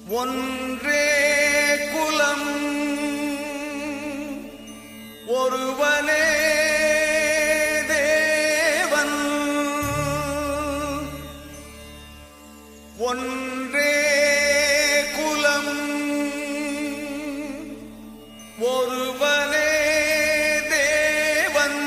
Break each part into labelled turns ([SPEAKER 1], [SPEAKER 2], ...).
[SPEAKER 1] ஒன்றே குலம் ஒருவனே தேவன் ஒன்றே குலம் ஒருவனே தேவன்.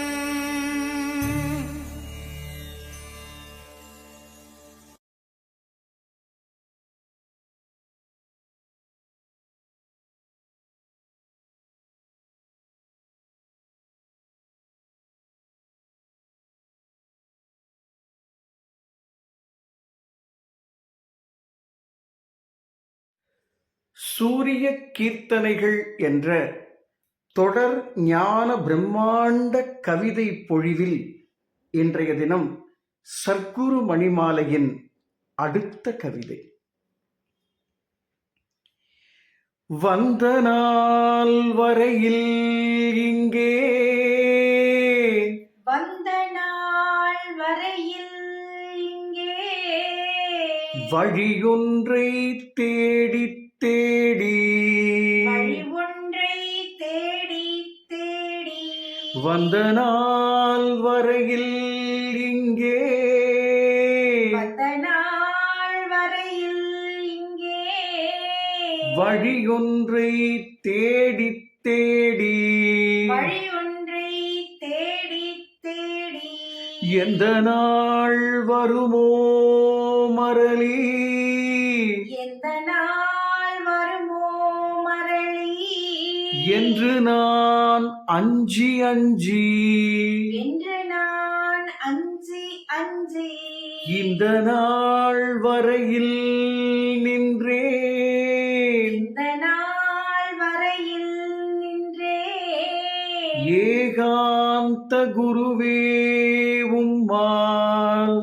[SPEAKER 2] சூரிய கீர்த்தனைகள் என்ற தொடர் ஞான பிரம்மாண்ட கவிதை பொழிவில் இன்றைய தினம் சர்க்குரு மணிமாலையின் அடுத்த கவிதை. வந்த நாள் வரையில் இங்கே வழியொன்றை தேடி தேடி வந்த நாள் வரையில் இங்கே வழியொன்றை தேடி தேடி எந்த நாள் வருமோ மரளி என்று நான் அஞ்சி அஞ்சி இந்த நாள் வரையில் நின்றேன். ஏகாந்த குருவே உம்மால்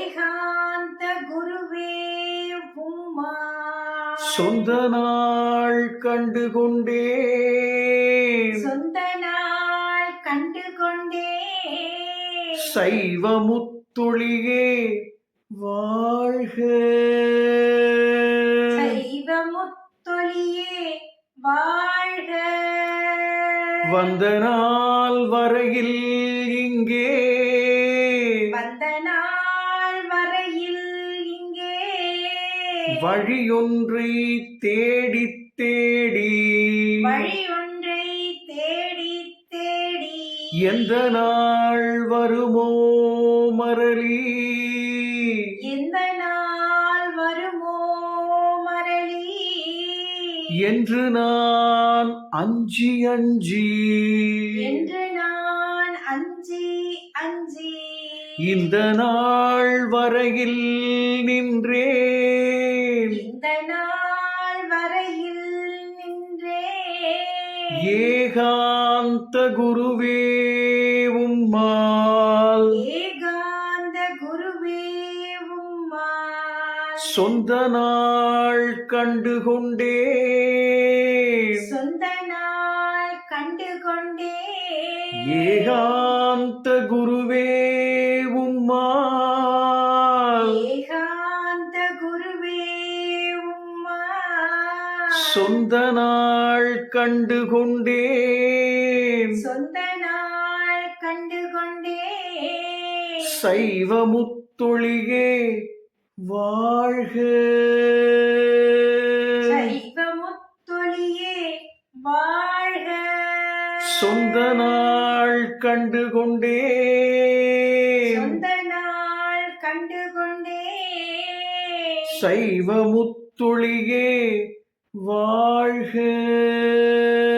[SPEAKER 2] சொந்த நாள் கண்டு கொண்டேன். சைவ முத்தொழியே வாழ்க. வந்த நாள் வரையில் இங்கே வழியொன்றை தேடி தேடி எந்த நாள் வருமோ மரளி என்று நான் அஞ்சி அஞ்சி இந்த நாள் வரையில் நின்றேன். ஏகாந்த குருவே உம்மால் சொந்த நாள் கண்டு கொண்டேன். ஏகாந்த குருவே உம்மால் சொந்த நாள் கண்டு கொண்டேன். சைவ முத்தொழியே வாழ்க. சொந்த நாள் கண்டு கொண்டேன். சைவ முத்தொழியே வாழ்க.